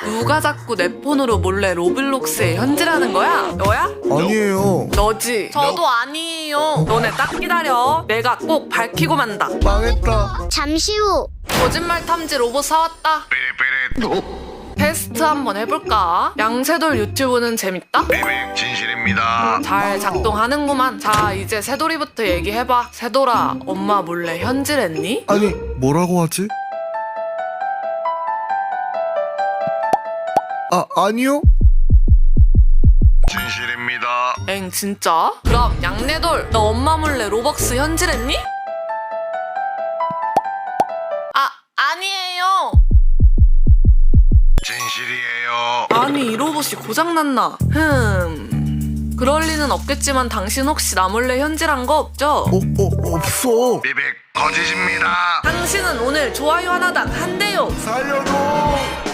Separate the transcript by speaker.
Speaker 1: 누가 자꾸 내 폰으로 몰래 로블록스에 현질하는 거야? 너야?
Speaker 2: 아니에요.
Speaker 1: 너지? 저도 아니에요. 너네 딱 기다려. 내가 꼭 밝히고 만다.
Speaker 2: 망했다.
Speaker 3: 잠시 후.
Speaker 1: 거짓말 탐지 로봇 사왔다. 테스트 한번 해볼까? 양새돌 유튜브는 재밌다?
Speaker 4: 진실입니다.
Speaker 1: 잘 작동하는구만. 자, 이제 새돌이부터 얘기해봐. 새돌아, 엄마 몰래 현질했니?
Speaker 2: 아니, 뭐라고 하지? 아니요?
Speaker 4: 진실입니다.
Speaker 1: 엥, 진짜? 그럼 양내돌, 너 엄마 몰래 로벅스 현질했니? 아니에요.
Speaker 4: 진실이에요.
Speaker 1: 아니, 이 로봇이 고장났나? 그럴 리는 없겠지만 당신 혹시 나 몰래 현질한 거 없죠?
Speaker 2: 없어.
Speaker 4: 비백 거짓입니다.
Speaker 1: 당신은 오늘 좋아요 하나당 한 대요.
Speaker 2: 살려줘.